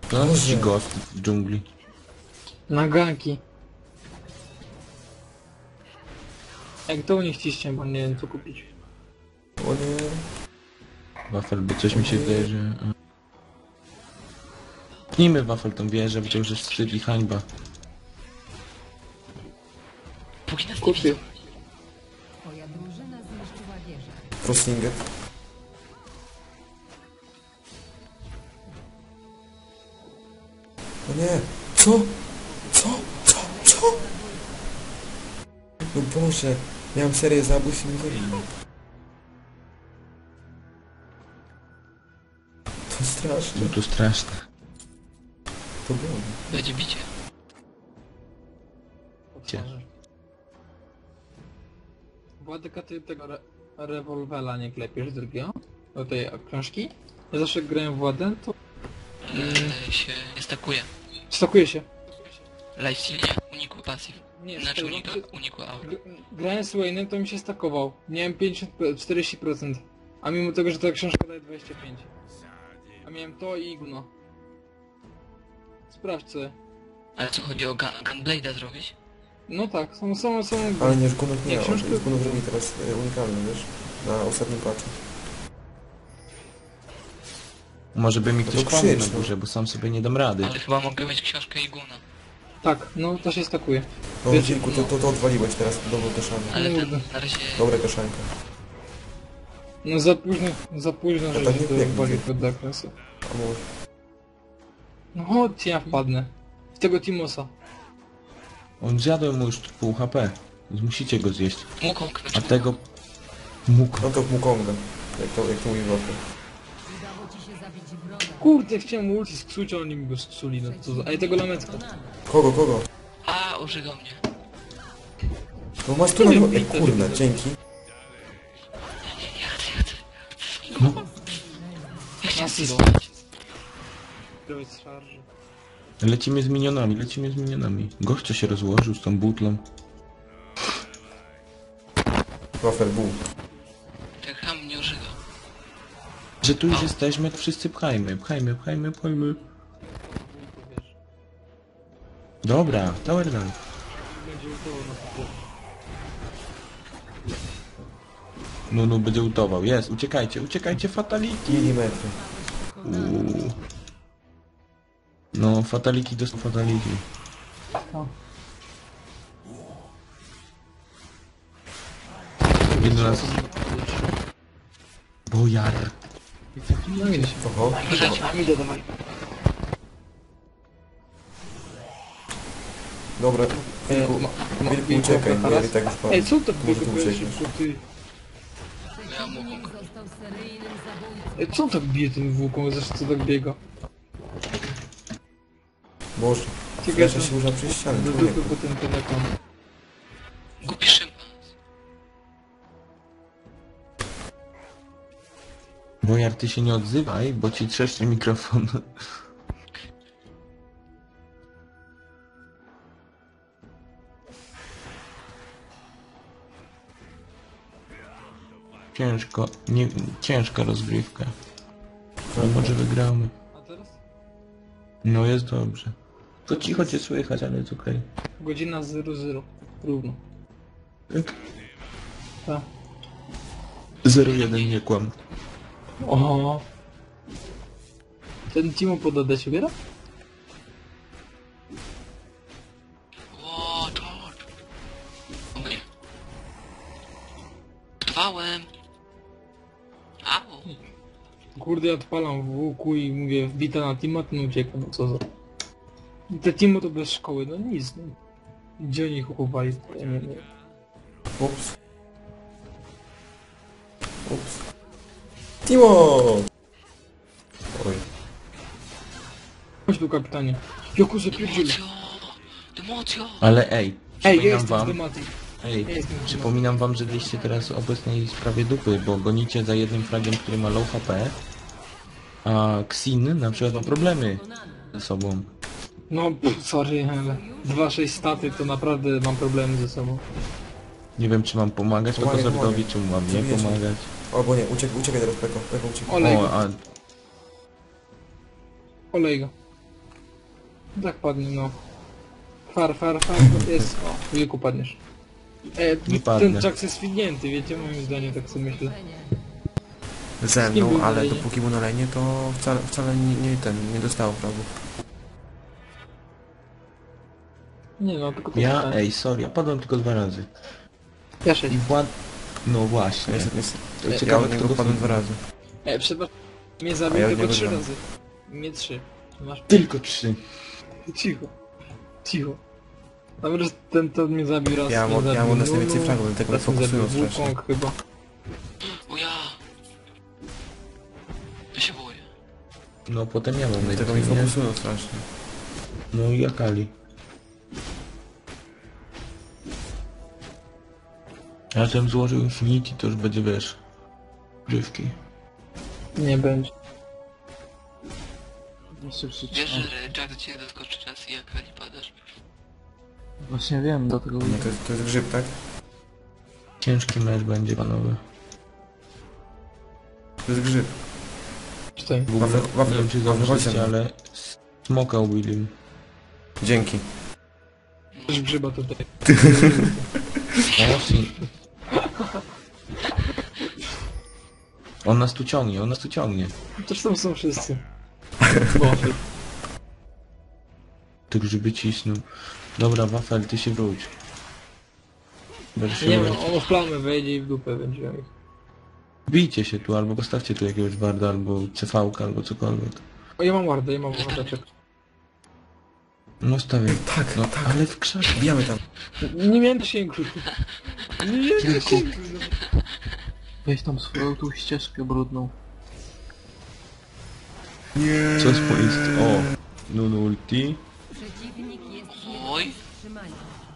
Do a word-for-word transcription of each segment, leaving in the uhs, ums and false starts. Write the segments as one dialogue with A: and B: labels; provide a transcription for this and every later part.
A: No,
B: Boże.
A: ci ghost w dżungli.
C: Na ganki. Jak to u nich ciśnie, bo nie wiem co kupić.
B: O nie.
A: Wafel, bo coś mi się wydaje, że... Pnijmy Wafel tą wieżę, bo to już jest wstyd i hańba.
D: Póki nas nie
C: Kupię.
D: widzą.
E: Twoja drużyna zniszczyła wieżę.
B: Frostinget. O nie. Co? Co? Co? Co? No Boże. Miałem serię zabójstw i mi zabili. To straszne.
A: No to straszne.
B: To było.
D: Będzie bicie.
A: Gdzie?
C: Władeka, ty tego re rewolwera nie klepiesz drugiego? Do tej książki? Ja zawsze jak grałem w Władę, to
D: Eee, się nie stakuje.
C: stakuje się.
D: Lifesteal nie, uniku passive.
C: Nie,
D: Znaczy
C: stary,
D: uniku,
C: no,
D: uniku aura.
C: G- Grałem z Wayne'em, to mi się stakował. Miałem pięćdziesiąt, czterdzieści procent. A mimo tego, że ta książka daje dwadzieścia pięć. A miałem to i gówno. Sprawdź co.
D: Ale co chodzi o gun, Gunblade'a zrobić?
C: No tak, są, są, są...
B: Ale nie, Gunów nie.
C: Nie,
B: On
C: książkę-
B: Gunów robi teraz e, unikalny, wiesz? Na ostatnim patchu.
A: Może by mi
B: No
A: ktoś
B: to
A: pomógł
B: krzycz,
A: na
B: no.
A: górze, bo sam sobie nie dam rady.
D: Ale chyba mogę mieć książkę i guna.
C: Tak, no to się stakuje.
B: No
C: Wiecie,
B: dziękuję, to, to, to odwaliłeś teraz. Dobrą kaszankę.
D: Ale
C: No,
D: ten
C: no.
D: na razie...
B: Dobra kaszanka.
C: No za późno, za późno,
B: No
C: że
B: tak
C: się
B: nie
C: to
B: biegnie.
C: wali pod zakresy.
B: A może.
C: No chodź, ja wpadnę. W tego Timosa.
A: On zjadł mu już pół H P. Więc musicie go zjeść.
D: Mukong,
A: A
D: znaczy
A: tego... Mógł.
B: No to w Mukonga. Jak to, jak to mówi Wafel.
E: Udało ci się zabić wroga.
C: Kurde, chciałem mu ulti sksuć, a oni mi go sksuli. No to za... A i tego lamecka.
B: Kogo, kogo?
D: A, użygał mnie.
B: No masz tu
C: Nie
B: na...
C: wiem,
B: Ej,
C: bite,
B: kurna,
C: żeby-
B: dzięki.
A: No.
D: Ja chciałem
C: Asyst.
D: spróbować.
C: Zdrowie z szarży.
A: Lecimy z minionami, lecimy z minionami. Gościa się rozłożył z tą butlą.
B: Wafel był.
D: Ten ham mnie użygał.
A: Że tu już jesteśmy, to wszyscy pchajmy, pchajmy, pchajmy, pchajmy. Dobra, tower down.
C: Będzie ultował na to.
A: No, no, będzie utował. Jest, uciekajcie, uciekajcie, fatality.
B: Milimetry.
A: Uuu. No, fatality to są fatality.
C: No.
A: Jeden raz... Bojar.
C: No idę się.
B: Oho.
C: Idę, dawaj.
B: Dobra. Wilku,
C: ma- ma-
B: Wilku
C: Wilku,
B: uciekaj,
C: teraz?
B: bo ja i tak spadł.
C: Ej, co to
B: Może
C: biega
B: tu
C: bije
B: uciekniesz.
C: szybko, ty?
D: Miałem Mukong.
E: Został seryjnym zabójcą.
C: Ej, co on tak bije tym włóką, zresztą co tak biega?
B: Boże.
C: Ciekawe,
B: Flasha się używa przez ścianę,
C: do
B: człowieku.
C: dupy po tym telefon.
D: Głupi szympans.
A: Bojar, ty się nie odzywaj, bo ci trzeszczy mikrofon. Ciężko, nie, ciężka rozgrywka. No może wygramy.
C: A teraz?
A: No jest dobrze. To cicho cię słychać, ale jest okej.
C: Godzina zero zero. Równo.
A: Tak.
C: Tak.
A: zero jeden nie kłam.
C: Oho. Ten Timo pod A D się biera?
D: Ło, George. Okej. Trwałem. Au.
C: Kurde, ja odpalam w łuku i mówię wbita na Timo, ten ucieka, no co za... Te Timo to bez szkoły, no nic, no. Gdzie oni ich uchowali? Ja nie wiem.
B: Ups. Ups. Timo! Oj.
C: Chodź tu, kapitanie. Joku, zapierdzielę.
D: Democio. Democio.
A: Ale ej,
C: Ej,
A: przypominam
C: jestem z
A: wam,
C: tematy.
A: ej,
C: Ja jestem z
A: przypominam wam, że byliście teraz w obecnej sprawie dupy, bo gonicie za jednym fragiem, który ma low H P, a Xin na przykład ma problemy ze sobą.
C: No, pff, sorry, ale dwa sześć staty to naprawdę mam problemy ze sobą.
A: Nie wiem, czy mam pomagać
B: Pomagaj,
A: Pekozordowi,
B: pomagaj.
A: czy mam nie
B: Zabijecie.
A: pomagać.
B: Albo nie, uciekaj, uciekaj teraz Peko. Peko uciekaj.
C: Olej
A: O,
C: go,
A: a
C: olej go. Tak padnie, no. Far, far, far, to jest... O, wilku padniesz. E,
A: Nie
C: ten
A: padnę.
C: Jax jest fidnięty, wiecie, moim zdaniem, tak sobie myślę.
B: Ze
C: Z kim
B: mną,
C: był na
B: ale
C: lejnie?
B: dopóki był na lejnie, to wcale, wcale nie, nie ten, nie dostało fragów.
C: Nie no, tylko to
A: Ja,
C: pytanie.
A: ej, sorry, ja padłem tylko dwa razy.
C: Ja
A: I
C: sześć.
A: wład... No właśnie.
B: Niestety, niestety.
A: To
B: Ja
A: ciekawe,
B: od niego
A: kto go
B: padłem dwa
A: filmuje.
B: razy.
C: E, przepraszam, mnie
B: A
C: zabił
B: ja
C: tylko
B: nie
C: trzy
B: wygram.
C: razy. Nie trzy. Masz
A: Tylko trzy.
C: cicho. Cicho. Dobra, że ten to mnie zabił raz.
B: Ja
C: mnie
B: mam- ja
C: zabił
B: mam nas
C: Nunu,
B: najwięcej fragów, dlatego
C: raz
B: mnie
C: mnie zabił
B: fokusują strasznie.
C: Wukong chyba.
D: O ja. Ja się boję.
A: No potem ja mam
B: Dlatego mi
A: najpierw, nie?
B: fokusują strasznie.
A: No i Akali. Ja żebym złożył Infinity, to już będzie, wiesz, grzywki.
C: Nie będzie.
F: Jeszcze
D: Wiesz,
F: przeczytam.
D: że Jack do ciebie doskoczy raz i jak nie padasz.
F: Właśnie wiem, dlatego
B: No to jest, to jest grzyb, tak?
A: Ciężki mecz będzie, panowie.
B: To jest grzyb.
C: Czytaj.
A: W ogóle,
B: Wafel- wafel-
A: nie wiem czy
B: wafel-
A: zauważyliście,
B: wafel-
A: ale smoka ubili.
B: Dzięki.
C: Też grzyba tutaj.
A: O, si. On nas tu ciągnie, on nas tu ciągnie.
C: Też tam są wszyscy. Wafel.
A: Tych grzyby cisną. Dobra, Wafel, ty się wróć. Będziesz się
C: Nie
A: wrócić.
C: wiem, on w plamę wejdzie i w dupę będzie miał ich.
A: Bijcie się tu, albo postawcie tu jakiegoś barda, albo C V-ka, albo cokolwiek.
C: O, ja mam wardę, ja mam wardaczek.
A: No stawię.
B: Tak,
A: No,
B: tak.
A: ale w krzakach.
B: Bijamy tam.
C: Nie miałem zasięgu. Nie miałem
A: Kilku.
C: zasięgu. no.
F: weź tam swoją tą ścieżkę brudną.
B: Nie.
A: Co swoist? O! Nunu ulti.
E: Przeciwnik jest
D: Oj.
E: nie do wstrzymania.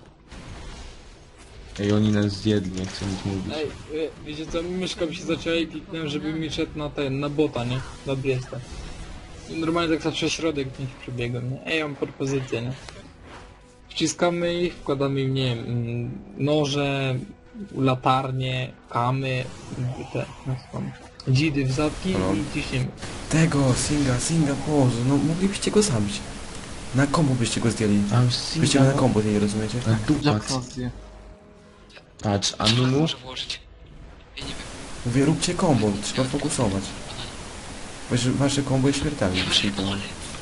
A: Ej, oni nas zjedli, nie chcę nic mówić.
C: Ej, e, wiecie co, myszka mi się zaczęła i kliknąłem, żeby mi szedł na ten, na bota, nie? Na Briesta. I normalnie tak zawsze środek nich przebiegłem, nie? Ej, ja mam propozycję, nie? Wciskamy ich, wkładamy im, nie wiem, mm, noże, latarnie, kamy, te, jak to tam, dzidy w zadki
B: No.
C: i ciśniemy.
B: Tego, Singa, Singa, Boże, no moglibyście go zabić. Na kombo byście go zdjęli.
A: A
B: Byście go na kombo zdjęli, rozumiecie?
A: Na dupac.
F: Jacksa zje.
A: Patrz, a
D: Czy
A: Nunu?
D: może włożyć? Ja nie wiem.
B: Mówię, róbcie kombo, trzeba fokusować. Wasze, wasze kombo jest śmiertelne.
D: Nie wyżej
B: dzisiaj,
D: pole.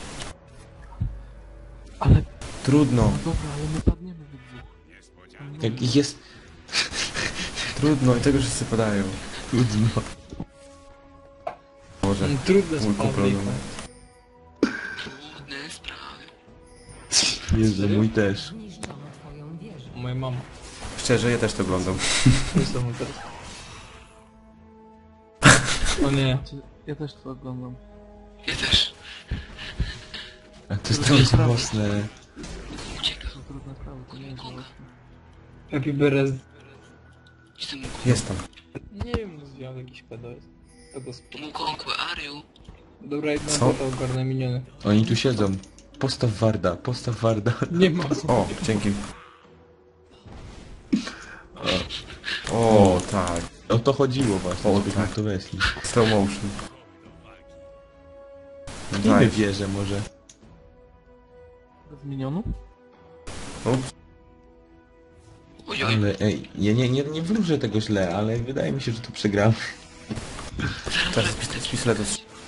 F: Ale,
B: Trudno,
F: no dobra, ale my padniemy we dwóch.
A: Jak jest...
B: trudno i tego wszyscy podają.
A: Trudno.
B: Boże,
C: Mm, Trudne
B: mój
C: sprawy.
B: kumpel.
D: Trudne sprawy.
A: Jezu, mój też.
E: Zniszczono twoją wieżę.
C: Moja mama.
B: Szczerze, ja też to oglądam.
C: Jest to mu teraz. O nie.
F: Znaczy, ja też to oglądam.
D: Ja też.
A: A to jest trochę mocne.
D: Ucieka.
F: To trudne sprawy, to nie jest łatwe.
C: Happy Berez.
D: Jestem
B: Jest tam.
C: Nie wiem, no zwiał jakiś pedo jest. Pedo spoko.
D: Mukong, where are you?
C: Dobra, jedna
B: Co?
C: bota ogarnę miniony.
A: Oni tu siedzą. Postaw Warda, postaw Warda.
C: Nie ma.
B: O, dzięki. O, tak.
A: O to chodziło właśnie,
B: O,
A: żebyśmy
B: tak.
A: w to weszli.
B: Slow motion.
A: Nie
B: Daj.
A: wierzę może.
F: Z minionu?
B: Ups.
D: Oj, oj.
A: Ale ej, ja nie, nie, nie wróżę tego źle, ale wydaje mi się, że tu przegramy.
B: Teraz z, pist- z pistoletu.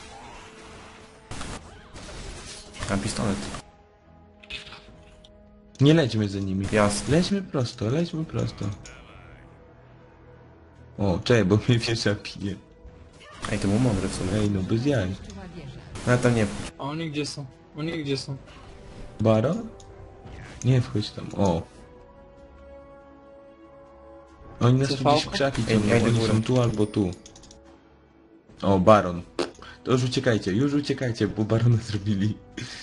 B: Mam pistolet.
A: Nie lećmy za nimi.
B: Jasne.
A: Lećmy prosto, lećmy prosto. O, czekaj, bo mnie wieża pije.
B: Ej, to był mądry w sumie.
A: Ej, no bez jaj.
E: Zniszczyła wieżę.
B: No tam nie.
C: A oni gdzie są? Oni gdzie są?
A: Baron? Nie wchodź tam, o. Oni nas tu
C: C V?
A: gdzieś w krzaki
B: Ej,
A: ciągną,
B: ja idę
A: oni
B: górę.
A: są tu albo tu. O, Baron. To już uciekajcie, już uciekajcie, bo Barona zrobili.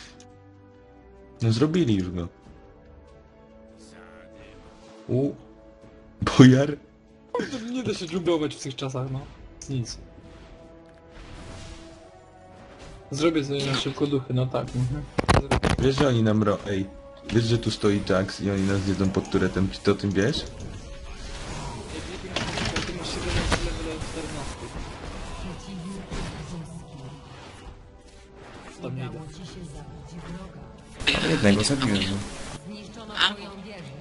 A: No zrobili już go. U. Bojar?
C: Nie da się dżunglować w tych czasach, no. Nic. Zrobię sobie na szybko duchy, no tak. Mhm. Zrobię.
A: Wiesz, że oni nam ro... Ej. Wiesz, że tu stoi Jax i oni nas jedzą pod turetem, czy ty o tym wiesz?
C: Ty masz siedemnaście level czternaście.
E: Przeciwnik zyski.
C: Tam nie idę.
E: Udało ci się zabić wroga.
B: Nie Jednego zabiłem. No.
E: Zniszczono twoją wieżę.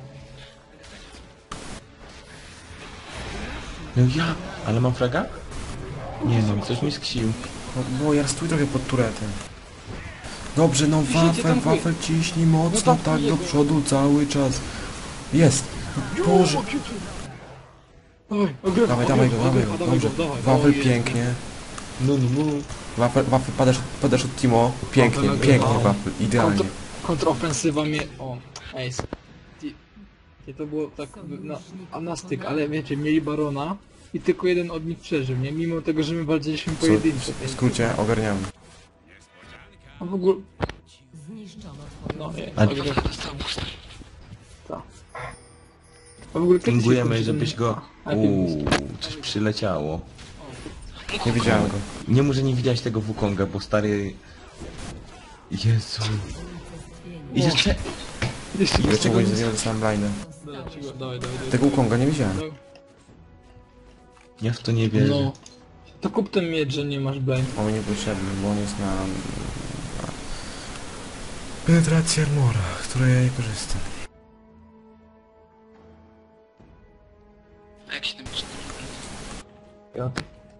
A: No ja, ale mam fraga? Nie no, ktoś mi sksił.
B: O, bo ja stój trochę pod turetem. Dobrze, no
C: Ciśnijcie
B: wafel,
C: tam chuj.
B: wafel ciśnij mocno,
C: No tam
B: tak do
C: jego.
B: przodu cały czas. Jest! Boże!
C: Oj, ogrywa,
B: Dawaj, dawaj go,
C: ogrywa,
B: dawaj
C: ogrywa,
B: go,
C: dawaj
B: dobrze.
C: go, dawaj.
B: Wafel
C: Ojej.
B: pięknie.
A: No no no.
B: Wafel, wafel padasz, padasz od Timo. Pięknie,
C: Wafel
B: pięknie
C: ogrywa.
B: wafel, idealnie.
C: Kontr, kontrofensywa mnie... O, ace. I, i to było tak na, a na styk, ale wiecie, mieli barona i tylko jeden od nich przeżył, nie? Mimo tego, że my walczyliśmy
B: Co,
C: pojedynczo.
B: w skrócie ogarniamy.
C: A w ogóle...
E: Zniszczono twoją
C: No,
E: wieżę.
C: jest,
A: A-
C: ogrywa.
D: Dostał boosta.
C: Tak. A w ogóle kiedy się
A: Pingujemy,
C: kończy
A: żebyś
C: ten-
A: go...
C: A, najpierw
A: Uuu, coś przyleciało.
B: Nie widziałem go.
A: Nie może nie widziałeś tego Wukonga, bo stary... Jezu. I jeszcze...
C: Jeszcze
B: Ile
C: bez
B: czego
C: tego
B: nie
C: nie...
B: zrobiłem sam line'em.
C: Dawaj, dawaj, dawaj, dawaj.
B: Tego Ukonga nie widziałem.
C: Dawaj.
A: Ja w to nie wierzę.
C: No. To kup ten miecz, że nie masz blind.
B: On mi niepotrzebny, bo on jest na... na... penetracji armora, której ja nie korzystam.
D: A jak się tym pisze?
C: Ja.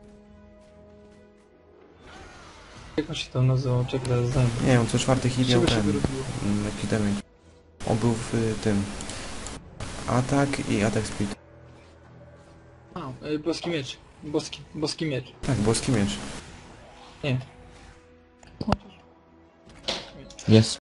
C: Jak on się tam nazywał? Czekaj, zaraz znam.
B: Nie, on co czwarty hit
C: Z
B: miał
C: czego się
B: ten...
C: wyrobiło?
B: mm, Jaki damage. On był w y, tym... Atak i atak speed.
C: A, y, boski miecz. Boski, boski miecz.
B: Tak, boski miecz.
C: Nie.
A: Jest.